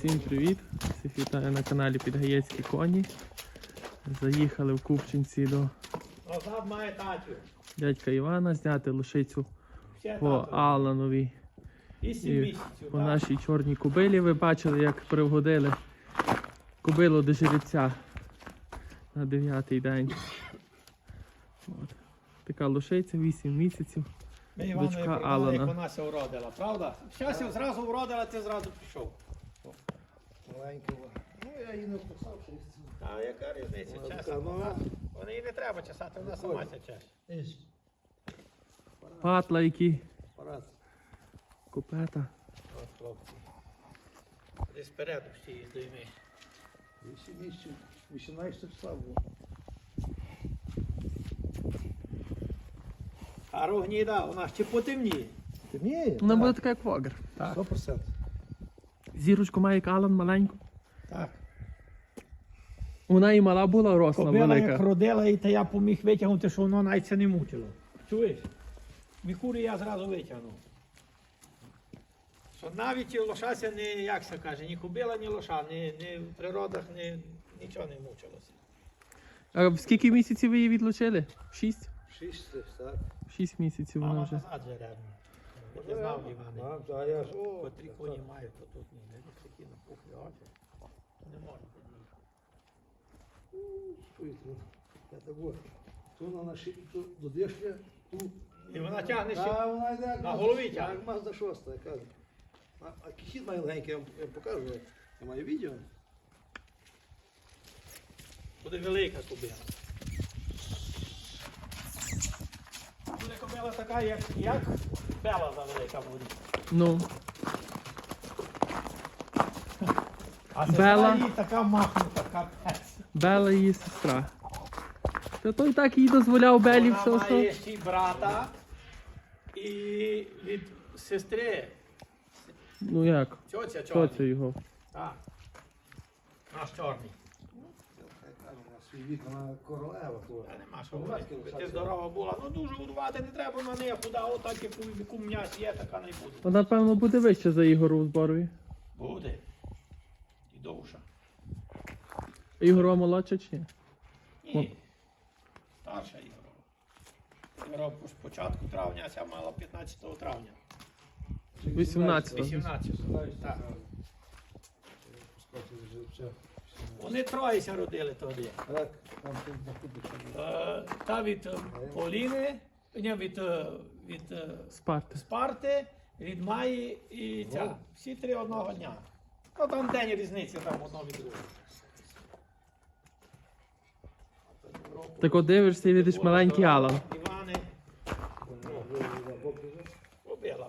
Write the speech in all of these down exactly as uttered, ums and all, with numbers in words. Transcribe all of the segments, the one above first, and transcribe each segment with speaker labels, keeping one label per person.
Speaker 1: Всім привіт! Всіх вітаю на каналі Підгаєцькі коні. Заїхали в Купчинці до дядька Івана зняти лошицю по Алановій і по нашій чорній кобилі. Ви бачили, як приводили кобилу до жеребця на дев'ятий день. От. Така лошиця, вісім місяців.
Speaker 2: Ми Іванові
Speaker 1: Дочка
Speaker 2: пригадали,
Speaker 1: Алана.
Speaker 2: як вона ся уродила, правда? Щастя зразу уродила, ти зразу пішов.
Speaker 3: Маленького. Ну, я її не вписав, що
Speaker 2: А яка різниця?
Speaker 3: Вона
Speaker 2: Чесно.
Speaker 3: така нова.
Speaker 2: Вона її не треба чесати, вона сама ся чеше.
Speaker 1: Патла які,
Speaker 3: Парад.
Speaker 1: купета.
Speaker 2: От хлопці. Десь спереду всі її дойми.
Speaker 3: Вісім місяців, вісімнадцятого числа було.
Speaker 2: А рогніда, вона ще потемніє.
Speaker 3: Темніє?
Speaker 1: Вона буде така, як вогр.
Speaker 2: Так.
Speaker 3: Сто процентів.
Speaker 1: Зірочку має як Алан маленьку.
Speaker 2: Так.
Speaker 1: Вона і мала була, росла
Speaker 2: Кобила як
Speaker 1: велика.
Speaker 2: родила, і та я поміг витягнути, що воно навіть це не мучило. Чуєш? Мікури я зразу витягнув. Що навіть лошася не, як це каже, ні кобила, ні лоша, ні, ні в природах ні, нічого не мучилося.
Speaker 1: А в скільки місяців ви її відлучили? Шість?
Speaker 3: Шість, так.
Speaker 1: Шість місяців вона
Speaker 2: Мама
Speaker 1: вже.
Speaker 2: назад же ревно. Я знав, Іване.
Speaker 3: А, а я ж, о,
Speaker 2: Котрі коні мають, то тут ні, не такі напухлі очі. Не можна.
Speaker 3: чуєте, я так от. То на наші, то до дешля, тут.
Speaker 2: І вона тягне ще.
Speaker 3: А вона йде як
Speaker 2: на
Speaker 3: Мазда-
Speaker 2: голові тягне.
Speaker 3: Як Мазда шоста, я кажу. А, а кихід має легенький, я вам я вам покажу. Я маю відео.
Speaker 2: Буде велика кобила. Буде кобила така, як, як бела за велика буде.
Speaker 1: Ну,
Speaker 2: А
Speaker 1: Бела.
Speaker 2: сестра їй така махнута, капець.
Speaker 1: Бела її сестра. Та той так їй дозволяв Белі
Speaker 2: Вона
Speaker 1: все,
Speaker 2: має
Speaker 1: що.
Speaker 2: ще й брата і від сестри.
Speaker 1: Ну як?
Speaker 2: Тьотя
Speaker 1: Що
Speaker 2: чорна.
Speaker 1: це його?
Speaker 2: Так. Наш чорний.
Speaker 3: Я кажу, на свій вік, вона королева. то.
Speaker 2: Та нема що
Speaker 3: Ну,
Speaker 2: говорити.
Speaker 3: ласки
Speaker 2: Ти
Speaker 3: лишаться.
Speaker 2: здорова була. Ну дуже годувати не треба на неї, худа отак, як у яку м'яс є, така не буде.
Speaker 1: Вона, певно, буде вище за Ігору Зборові.
Speaker 2: Буде. І довша.
Speaker 1: Ігорова молодша чи ні?
Speaker 2: Ні. Старша Ігорова. Ігорова з початку травня, а ця мала п'ятнадцятого травня.
Speaker 1: вісімнадцятого.
Speaker 2: вісімнадцятого. Так.
Speaker 3: Пускати вже все.
Speaker 2: Вони троєся родили тоді.
Speaker 3: Так, там тут знаходиться.
Speaker 2: Е, Та від е, Поліни, ні, від, е, від е,
Speaker 1: Спарти.
Speaker 2: Спарти, від Маї і ця. Всі три одного дня. Ну там день різниці, там одно від другого.
Speaker 1: Так от дивишся і видиш маленький Алан.
Speaker 2: Івани побила.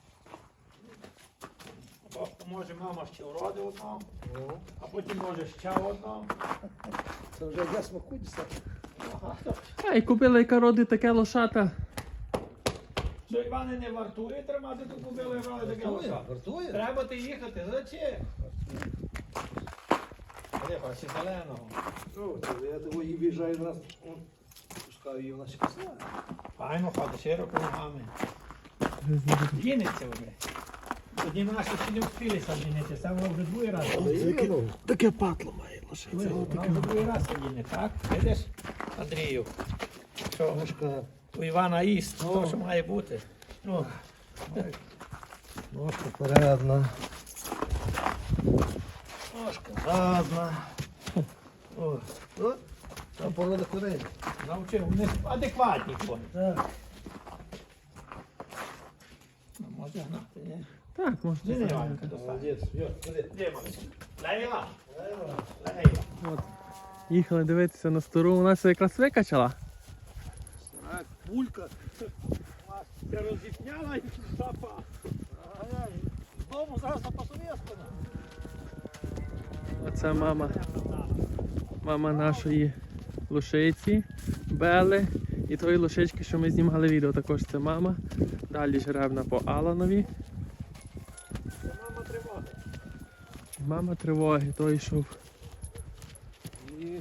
Speaker 2: Бо може мама ще уроди одного, а потім може ще одного.
Speaker 3: Це вже я смаку дістати.
Speaker 1: А, і купила, яка родить таке лошата.
Speaker 2: Що Івани не вартує тримати ту кобилу і брали таке
Speaker 3: Вартує,
Speaker 2: лоша?
Speaker 3: вартує.
Speaker 2: Треба ти їхати, зачем? Де бачиш зеленого?
Speaker 3: Ну, це я того її в'їжджаю раз, он, пускаю її, вона ще після.
Speaker 2: Файно ходить, широко ногами. Дінеться вже. Тоді наші ще не встигли дінеться, це вона вже другий раз.
Speaker 1: Таке патло має
Speaker 2: Ви, Вона вже другий раз діне, так? Видиш, Андрію? Що
Speaker 3: Ножка,
Speaker 2: у Івана їсть, то, що має бути. Ну,
Speaker 3: ножка передна. Ножка задна. О, о, там порода коней.
Speaker 2: навчив, вони адекватні коні.
Speaker 3: Так.
Speaker 2: Ну, може гнати, ні?
Speaker 1: Так, можна.
Speaker 2: Де не
Speaker 1: сказати.
Speaker 2: Іванка достати?
Speaker 3: Молодець. Йо, ходи.
Speaker 2: Де малий? Лейла?
Speaker 3: Лейла.
Speaker 2: Лейла.
Speaker 1: От. Їхали дивитися на стару, вона все якраз викачала.
Speaker 3: Так, пулька.
Speaker 2: Це розіпняла і запа.
Speaker 3: Ай-яй, з дому зараз на посовєтку.
Speaker 1: Оце мама. Мама нашої лошиці, Бели. І тої лошички, що ми знімали відео, також це мама. Далі жеребна по Аланові.
Speaker 2: Це мама тривога.
Speaker 1: Мама тривоги, той йшов.
Speaker 3: І...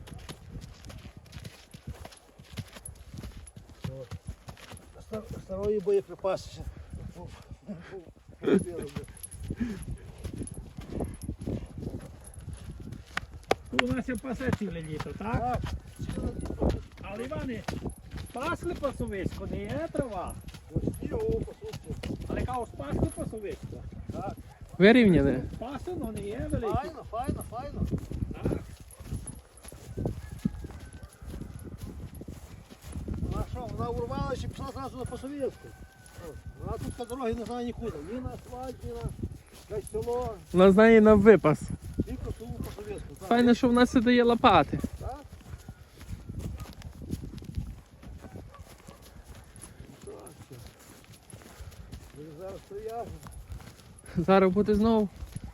Speaker 3: Старої мої боєприпаси. ще.
Speaker 2: У нас є пасе ціле літо, так?
Speaker 3: Так,
Speaker 2: Але Іване, пасли пасовисько, не є трава.
Speaker 3: ось ті, о, послухайте.
Speaker 2: Але кажу, пасли пасовисько.
Speaker 3: Так,
Speaker 1: Вирівняли.
Speaker 2: Пасено не є велике.
Speaker 3: файно, файно, файно.
Speaker 2: Так.
Speaker 3: Вона що, вона урвалася і пішла зразу на Посовєтську. Вона тут по дорогі не знає нікуди. Ні на асфальт, ні на якесь село,
Speaker 1: Вона знає на випас.
Speaker 3: тільки село Посовєтську. Так,
Speaker 1: Файно, що в нас і дає лопати.
Speaker 3: так? Так, все. Ми зараз приїжджаємо.
Speaker 1: Зараз буде знову.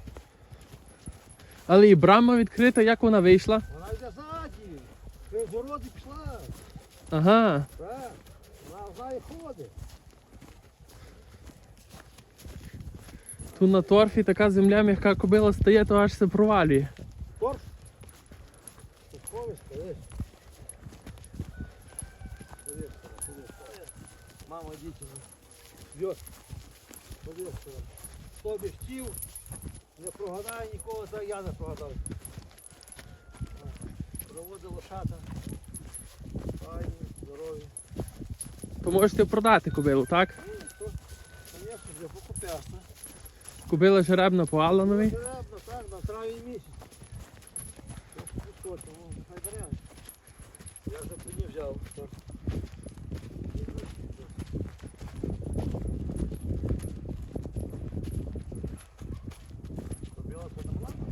Speaker 1: Але і брама відкрита, як вона вийшла?
Speaker 3: Вона йде ззаді. Ти з городи пішла.
Speaker 1: Ага.
Speaker 3: Так. Вона знає ходи.
Speaker 1: Тут на торфі така земля м'яка кобила стає, то аж се провалює.
Speaker 3: Торф. Торфовий стоїть. Мама, діти. Бьет. Повістила. Хто б хотів, не прогадає нікого, так я не прогадав. Проводить лошата. Файні, здорові.
Speaker 1: То можете продати кобилу, так?
Speaker 3: Ну, то, звісно, для покупляса.
Speaker 1: Кобила жеребна по Аллановій.
Speaker 3: Потрібно, так, на травень місяць. Що, тому хай беремо. Я вже по ній взяв. так. Кобила це не була?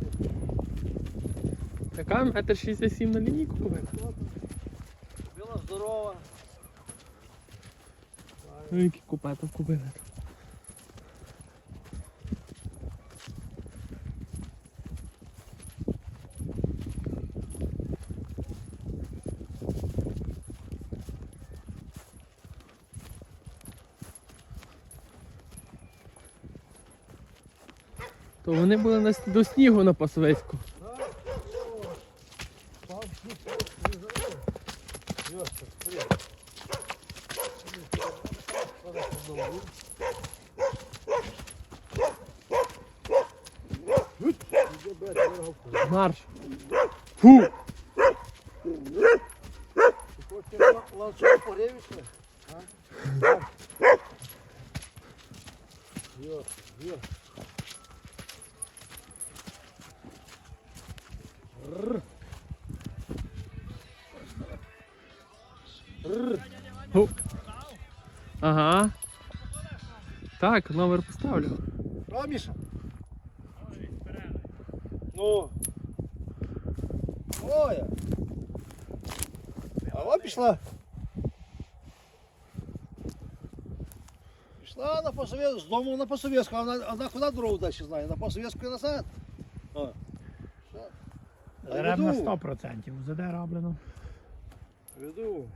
Speaker 1: Така метр шістдесят сім на лінійку кобила.
Speaker 3: Кобила здорова.
Speaker 1: Ну які купета в кобили. То вони були на, с- до снігу на Пасовецьку.
Speaker 3: Так, о, пав сніг, не зарив. Йося, привіт. Зараз подовжу. Іде бет, виргавку.
Speaker 1: Марш. Фу!
Speaker 3: Ти хочеш ланцюг погрівішся? Йо, йо. Рр. Рр.
Speaker 1: Ху. Ага. Так, номер поставлю.
Speaker 3: Що, Міша? Ну. Ой. А от пішла. Пішла на Посовєтську, з дому на Посовєтську, а вона, вона куди дорогу далі знає? На Посовєтську і назад. О.
Speaker 2: Дерев на
Speaker 3: Веду.
Speaker 2: сто процентів. Заде роблено.
Speaker 3: Веду.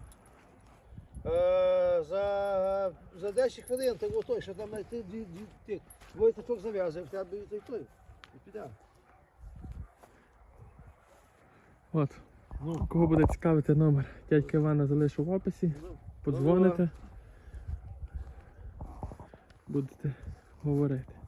Speaker 3: Е, за, за десять хвилин ти готовий, що там знайти дві, дві, ти двоєточок зав'язує, в тебе і той той. І піде.
Speaker 1: От.
Speaker 3: Ну.
Speaker 1: Кого буде цікавити номер, дядька Івана залишу в описі.
Speaker 3: Ну.
Speaker 1: Подзвоните. Будете говорити.